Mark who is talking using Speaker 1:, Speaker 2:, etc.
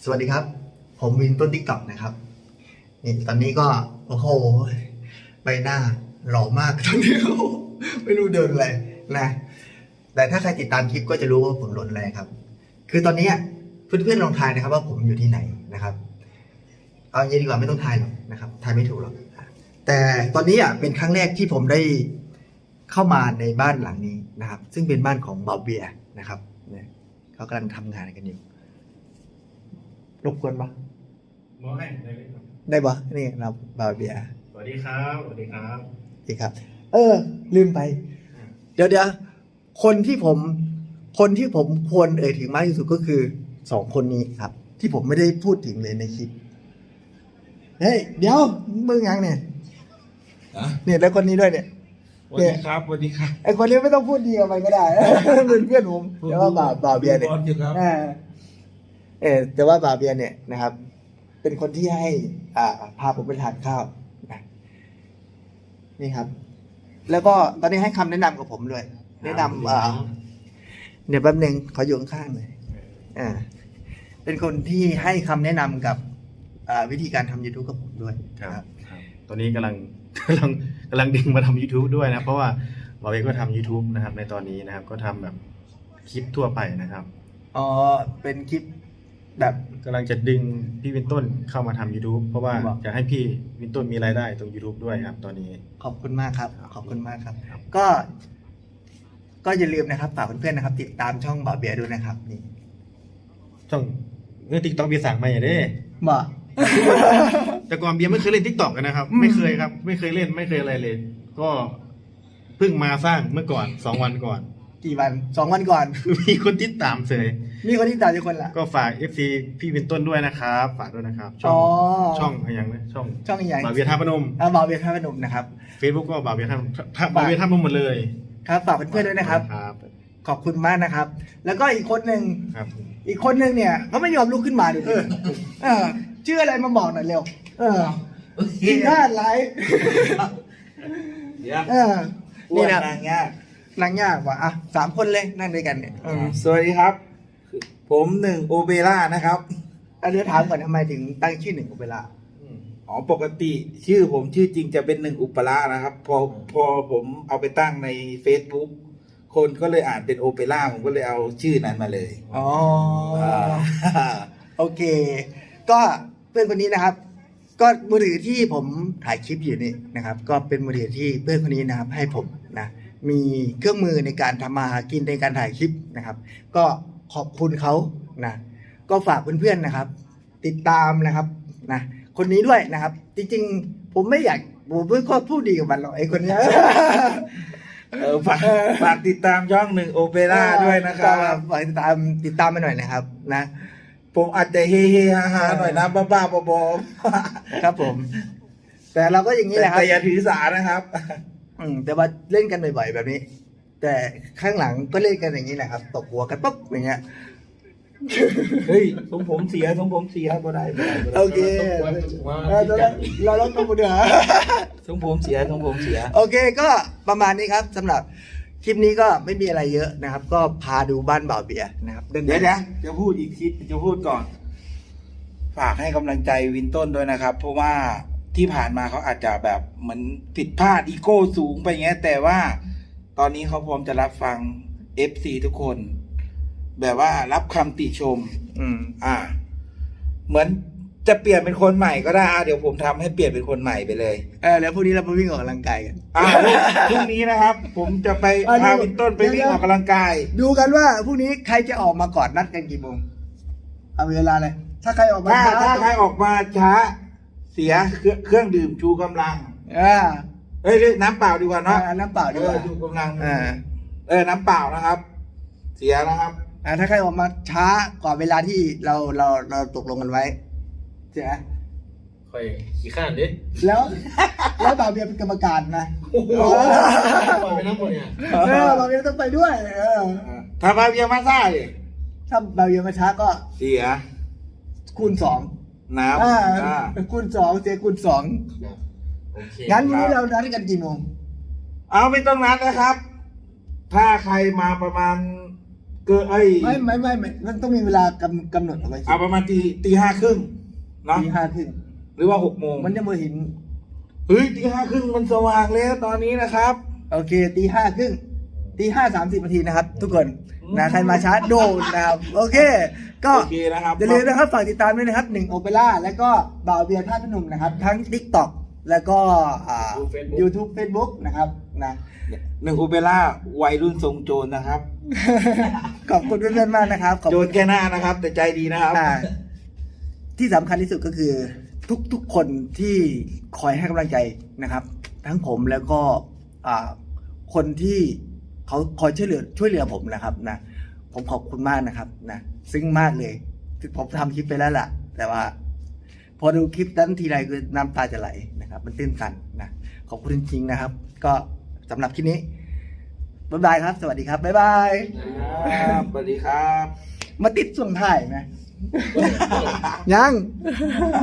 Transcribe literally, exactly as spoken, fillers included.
Speaker 1: สวัสดีครับผมวินต้นติ๊กต็อกนะครับนี่ตอนนี้ก็โอ้โหใบหน้าหล่อมากตอนนี้ไม่รู้เดินอะไรนะแต่ถ้าใครติดตามคลิปก็จะรู้ว่าผมหล่นอะไรครับคือตอนนี้เพื่อนๆลองทายนะครับว่าผมอยู่ที่ไหนนะครับเอาอย่างนี้ดีกว่าไม่ต้องทายหรอกนะครับทายไม่ถูกหรอกแต่ตอนนี้อ่ะเป็นครั้งแรกที่ผมได้เข้ามาในบ้านหลังนี้นะครับซึ่งเป็นบ้านของบาเบียนะครับเนี่ยเขากำลังทำงานกันอยู่รบกวนปะ
Speaker 2: มอให้ได้ไหมครับ
Speaker 1: ได้ปะนี่เราบาเบีย
Speaker 2: สวัสดีครับสวัสดีครับ
Speaker 1: ดีครับ เออ ลืมไป เดี๋ยวเดี๋ยวคนที่ผม คนที่ผมควรเอ่ยถึงมากที่สุดก็คือสองคนนี้ครับ ที่ผมไม่ได้พูดถึงเลยในคลิปเฮ้ยเดี๋ยวมึงยังเนี่ยเนี่ยแล้วคนนี้ด้วยเนี่ย
Speaker 2: สวัสดีครับสวัสดีครับ
Speaker 1: ไอคนนี้ไม่ต้องพูดดีกับมันก็ได้ เป็นเพื่อนผมแต่ว่าบาบาเบียเนี่ย
Speaker 2: บอลอยู่ครับ
Speaker 1: อ่าเออแต่ว่าบาเบียเนี่ยนะครับ เป็นคนที่ให้ อ่า พาผมไปทานข้าวนะนี่ครับ แล้วก็ตอนนี้ให้คำแนะนำกับผมด้วยแนะนำอ่าเดี๋ยวแป๊บนึงขออยู่ข้างๆเลยอ่า เป็นคนที่ให้คำแนะนำกับอ่าวิธีการทำ YouTube กับผมด้วย
Speaker 2: ครับครับตอนนี้กำลัง กำลังกำลังดึงมาทำ YouTube ด้วยนะเพราะว่าเราเองก็ทำ YouTube นะครับ ในตอนนี้นะครับ ก็ทำแบบคลิปทั่วไปนะครับ
Speaker 1: อ๋อเป็นคลิปแบบ
Speaker 2: กำลังจะดึงพี่วินต้นเข้ามาทำ YouTube เพราะว่า
Speaker 1: ครับ
Speaker 2: อยากให้พี่วินต้นมีรายได้ตรง YouTube ด้วยครับ ตอนนี้
Speaker 1: ขอบคุณมากครับ ขอบคุณมากครับ
Speaker 2: ครับ
Speaker 1: ก็ ก็อย่าลืมนะครับฝากเพื่อนๆนะครับ ติดตามช่องบ่าวเบียร์ด้วยนะครับ นี่
Speaker 2: ช่องเรื่องติ๊กต็อกเบียร์สั่งมาอย่างนี้
Speaker 1: บ่
Speaker 2: แต่ก่อนเบียร์ไม่เคยเล่นติ๊กต็อกนะครับ
Speaker 1: อืม
Speaker 2: ไม่เคยครับ ไม่เคยเล่นไม่เคยอะไรเลย ก็เพิ่งมาสร้างเมื่อก่อนสองวันก่อน
Speaker 1: กี่วันสองวันก่อน
Speaker 2: มีคนติดตามเสย
Speaker 1: มีคนที่ตามอยู่คนละ
Speaker 2: ก็ฝาก เอฟ ซี พี่วินต้นด้วยนะครับ ฝากด้วยนะครับ ช่
Speaker 1: อ๋
Speaker 2: อง
Speaker 1: อ
Speaker 2: ช่องอะไรอย่างนะช่อง
Speaker 1: ช่องใหญ่
Speaker 2: บาเบียร์ท่าพนม
Speaker 1: อ่าบ่าวเบียร์ท่าพนมนะครับ
Speaker 2: Facebook ก็บาเบียร์ท่าท่าบาเบียร์ท่าพนมหมดเลย
Speaker 1: ครับฝากเพื่อนๆด้วยนะครับ
Speaker 2: ครับ
Speaker 1: ขอบคุณมากนะครับ แล้วก็อีกคนหนึ่ง
Speaker 2: ครับ
Speaker 1: อีกคนหนึ่งเนี่ยเขาไม่ยอมลุกขึ้นมาดิเออเออชื่ออะไรมาบอกหน่อยเร็ว เออกินข้าวไลฟ์
Speaker 3: เดี๋ยว
Speaker 1: เออ
Speaker 3: นี่
Speaker 1: นี่
Speaker 3: นะ
Speaker 1: นะ
Speaker 3: นางยาก
Speaker 1: นั่งยากว่ะอ่ะสามคนเลยนั่งด้วยกันเนี่ยเออ
Speaker 3: สวัสดีครับ ผมหนึ่งโอเปร่านะครับ
Speaker 1: อันนี้ถามก่อนทำไมถึงตั้งชื่อหนึ่งของเวลา
Speaker 3: อ๋อปกติชื่อผมชื่อจริงจะเป็นหนึ่งอุปรานะครับ พอพอผมเอาไปตั้งใน Facebook คนก็เลยอ่านเป็นโอเปร่าผมก็เลยเอาชื่อนั้นมาเลย
Speaker 1: อ๋อ
Speaker 3: า
Speaker 1: โอเค ก็เพื่อนคนนี้นะครับ ก็มือถือที่ผมถ่ายคลิปอยู่นี่นะครับ ก็เป็นมือถือที่เพื่อนคนนี้นะครับ ให้ผมนะมีเครื่องมือในการทำมาหากินในการถ่ายคลิปนะครับ ก็ขอบคุณเขานะก็ฝากเพื่อนๆนะครับ ติดตามนะครับนะคนนี้ด้วยนะครับ จริงๆ ผมไม่อยากผมไม่ค่อยพูดดีกับมันหรอกไอ้คนเนี้ย
Speaker 3: เออฝากฝากติดตามช่องหนึ่งโอเปร่าด้วยนะครับ
Speaker 1: ฝากติดตามติดตามมาหน่อยนะครับนะ
Speaker 3: ผมอาจจะเฮเฮฮาฮาหน่อยนะบ้าๆบอ
Speaker 1: ครับผม แต่เราก็อย่าง
Speaker 3: ๆ
Speaker 1: นี้แหละครับ
Speaker 3: แต่อย่าถือสานะครับ
Speaker 1: อืมแต่ว่าเล่นกันบ่อยๆแบบนี้ แต่ข้างหลังก็เล่นกันอย่างนี้แหละครับตบหัวกันปุ๊บอย่างเงี้ย
Speaker 3: เฮ้ยทรงผมเสียทรงผมเสียบ่ได้บ่ได้บ่ได้
Speaker 1: โอเคเออเราเราต้องมาดูฮะ
Speaker 3: ทรงผมเสียทรงผมเสีย
Speaker 1: โอเคก็ประมาณนี้ครับสำหรับคลิปนี้ก็ไม่มีอะไรเยอะนะครับ ก็พาดูบ้านบ่าวเบียร์นะครับ
Speaker 3: เดี๋ยวเดี๋ยวจะพูดอีกทีจะพูดก่อน ฝากให้กำลังใจวินต้นด้วยนะครับ เพราะว่าที่ผ่านมาเขาอาจจะแบบเหมือนผิดพลาดอีโก้สูงไปเงี้ย แต่ว่าตอนนี้เขาพร้อมจะรับฟัง เอฟ ซี ทุกคน แบบว่ารับคำติชม
Speaker 1: อืม
Speaker 3: อ่า เหมือนจะเปลี่ยนเป็นคนใหม่ก็ได้อ่ะเดี๋ยวผมทำให้เปลี่ยนเป็นคนใหม่ไปเลย
Speaker 1: เออแล้วพรุ่งนี้เราไปวิ่งออกกำลังกายกัน
Speaker 3: อ่าพรุ่งนี้นะครับ ผมจะไป
Speaker 1: อ่ะ
Speaker 3: พา
Speaker 1: ดู
Speaker 3: วินต้นไปวิ่ง
Speaker 1: เดี๋ยว
Speaker 3: ออกกำลังกาย
Speaker 1: ดูกันว่าพรุ่งนี้ใครจะออกมาก่อนนัดกันกี่โมงเอาเวลาเลยถ้าใครออกมา
Speaker 3: ถ้า
Speaker 1: ช้
Speaker 3: ถ้าใครออกมาช้า เสียเครื่องเครื่องดื่มชูกำลัง
Speaker 1: อ่า
Speaker 3: เอ้ยเอ้ยน้ำเปล่าดีกว่าเนาะ
Speaker 1: อ่าน้ำเปล่าดีกว่า
Speaker 3: ออชูกำลัง
Speaker 1: อ่า
Speaker 3: เออน้ำเปล่านะครับ เสียนะครับ
Speaker 1: อ่าถ้าใครออกมาช้ากว่าเวลาที่เราเราเราตกลงกันไว้ใช่ไหม
Speaker 2: ค่อยขี้ข้านดิ
Speaker 1: แล้วแล้วบ่าวเบียร์เป็นกรรมการนะ
Speaker 2: ปล่อยไปน้ำหมดเนี่ย
Speaker 1: เออบ่าวเบียร์ต้องไปด้วยเออ
Speaker 3: ถ้ามาเบียร์มาซ่าดิ
Speaker 1: ถ้าบ่าวเบียร์มาช้าก็
Speaker 3: เสีย
Speaker 1: คูณสอง
Speaker 3: น้ำ
Speaker 1: อ่า
Speaker 3: อ่า
Speaker 1: คูณสองเสียคูณสอง
Speaker 2: โอเค
Speaker 1: งั้นวันนี้เรานัดกันกี่โมง
Speaker 3: เอาไม่ต้องนัดนะครับ ถ้าใครมาประมาณเกิดไอ้
Speaker 1: ไม่ไม่ไม่ไม่มันต้องมีเวลากำกำหนดเอาไว้สิ
Speaker 3: เอาประมาณตีตีห้าครึ่งเนาะ
Speaker 1: ตีห้าครึ่ง
Speaker 3: หรือว่าหกโมง
Speaker 1: มันจะมาเห็น
Speaker 3: เฮ้ยตีห้าครึ่งมันสว่างแล้วตอนนี้นะครับ
Speaker 1: โอเคตีห้าครึ่งตีห้าสามสิบนาทีนะครับ ทุกคน
Speaker 3: อืม
Speaker 1: นะใครมาช้าโดนนะครับ โอเค ก็
Speaker 3: โอเคนะครับ
Speaker 1: อย่าลืมนะครับฝากติดตามด้วยนะครับหนึ่งโอเปร่าแล้วก็บ่าวเบียร์ท่าตุพนมนะครับ ทั้ง TikTok แล้วก็อ่า YouTube Facebook นะครับนะ
Speaker 3: หนึ่งโอเปร่าวัยรุ่นทรงโจรนะครับ
Speaker 1: ขอบคุณเพื่อนๆมากนะครับขอบ
Speaker 3: โจ
Speaker 1: คุ
Speaker 3: ร
Speaker 1: ณ
Speaker 3: แค่หน้านะครับ แต่ใจดีนะครับ
Speaker 1: อ่าที่สำคัญที่สุดก็คือ ทุกๆคนที่คอยให้กำลังใจนะครับ ทั้งผมแล้วก็อ่าคนที่เขาคอยช่วยเหลือช่วยเหลือผมนะครับนะผมขอบคุณมากนะครับนะซึ้งมากเลยถึงผมทำคลิปไปแล้วล่ะ แต่ว่า พอดูคลิปนั้นทีไรคือน้ำตาจะไหลนะครับ มันตื้นตันนะขอบคุณจริงๆนะครับ ก็สำหรับคลิปนี้บ๊ายบายครับ สวัสดีครับบ๊ายบาย
Speaker 3: ครับสวัสดีครับ
Speaker 1: มาติดส่วงถ่ายไหม ยัง